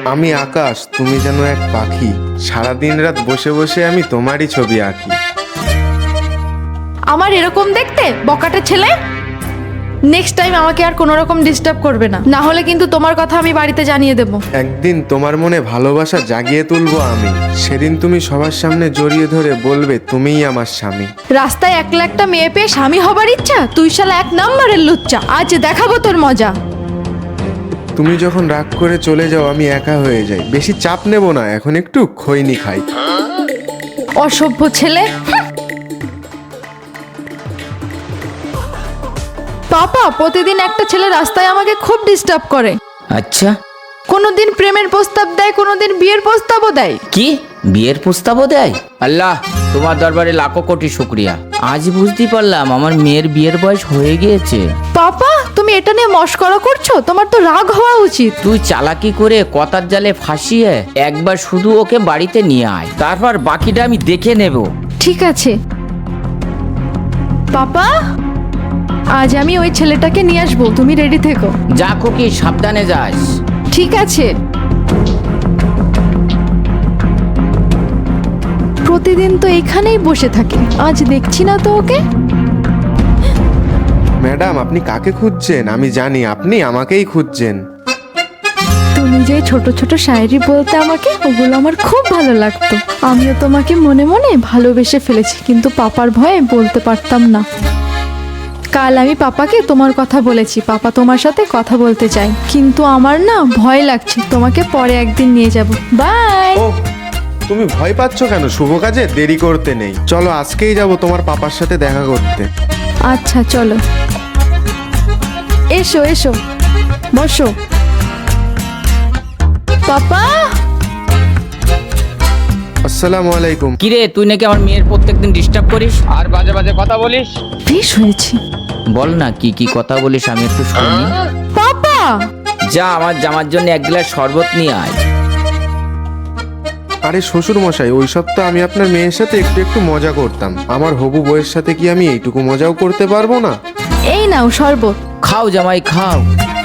আমি আকাশ, তুমি যেন এক পাখি। সারাদিন রাত বসে বসে আমি তোমারই ছবি আঁকি। আমার এরকম দেখতে বকাটে ছেলে। নেক্সট টাইম আমাকে আর কোনো রকম ডিস্টার্ব করবে না, না হলে কিন্তু তোমার কথা আমি বাড়িতে জানিয়ে দেব। একদিন তোমার মনে ভালোবাসা জাগিয়ে তুলবো আমি। সেদিন তুমি সবার সামনে জড়িয়ে ধরে বলবে তুমিই আমার স্বামী। রাস্তায় একলা একটা মেয়ে পেয়ে স্বামী হবার ইচ্ছা? তুই শালা এক নম্বরের লুচ্চা, আজ দেখাবো তোর মজা। তুমি যখন রাগ করে চলে যাও আমি একা হয়ে যাই। বেশি চাপ নেব না, এখন একটু খৈনি খাই। অসভ্য ছেলে। পাপা, প্রতিদিন একটা ছেলে রাস্তায় আমাকে খুব ডিস্টার্ব করে। আচ্ছা, কোনোদিন প্রেমের প্রস্তাব দেয়, কোনোদিন বিয়ের প্রস্তাবও দেয়। কি বিয়ের প্রস্তাবও দেয়? আল্লাহ, তোমার দরবারে লাখো কোটি শুকরিয়া। আজ বুঝতে পারলাম আমার মেয়ের বিয়ের বয়স হয়ে গিয়েছে। পাপা, তুমি এটা নিয়ে মশকরা করছো? তোমার তো রাগ হওয়া উচিত। তুই চালাকি করে কথার জালে ফাঁসিয়ে একবার শুধু ওকে বাড়িতে নিয়ে আয়, তারপর বাকিটা আমি দেখে নেব। ঠিক আছে পাপা, আজ আমি ওই ছেলেটাকে নিয়ে আসবো, তুমি রেডি থেকো। যা খুকি, সাবধানে যাস। ঠিক আছে। প্রতিদিন তো এখানেই বসে থাকে, আজ দেখছি না তো ওকে। ম্যাডাম, আপনি কাকে খুঁজছেন? আমি জানি আপনি আমাকেই খুঁজছেন। তুমি যে ছোট ছোট শায়েরি বলতে আমাকে, ওগুলো আমার খুব ভালো লাগতো। আমিও তোমাকে মনে মনে ভালোবেসে ফেলেছি, কিন্তু পাপার ভয়ে বলতে পারতাম না। কাল আমি পাপাকে তোমার কথা বলেছি, পাপা তোমার সাথে কথা বলতে চাই, কিন্তু আমার না ভয় লাগছে। তোমাকে পরে একদিন নিয়ে যাব। বাই। ও, তুমি ভয় পাচ্ছ কেন? শুভ কাজে দেরি করতে নেই, চলো আজকেই যাব তোমার পাপার সাথে দেখা করতে। আচ্ছা চলো, এসো এসো, বসো। পাপা। আসসালামু আলাইকুম। কিরে, তুই নাকি আমার মেয়ের প্রত্যেকদিন ডিস্টার্ব করিস আর বাজে বাজে কথা বলিস? বেশ হয়েছে। বল না কি কি কথা বলিস, আমি একটু শুনি। পাপা। যা আমার জামার জন্য এক গ্লাস শরবত নিয়ে আয়। আরে শ্বশুর মশাই, ওইসব তো আমি আপনার মেয়ের সাথে একটু একটু মজা করতাম। আমার হবু বউয়ের সাথে কি আমি এইটুকু মজাও করতে পারবো না? এই নাও শরবত। খাও জামাই, খাও।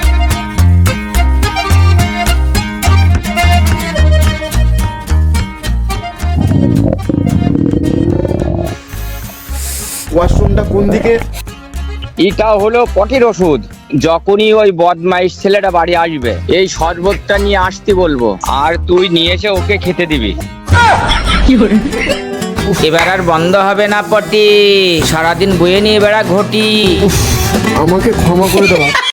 ওয়াশরুমটা কোন দিকে? এটা হলো পটির ওষুধ। যখনই ওই বদমাইশ ছেলেটা বাড়ি আসবে এই শরবতটা নিয়ে আসতে বলবো, আর তুই নিয়ে এসে ওকে খেতে দিবি। এবার আর বন্ধ হবে না পটি, সারাদিন বয়ে নিয়ে বেড়া ঘটি। আমাকে ক্ষমা করে দেওয়া।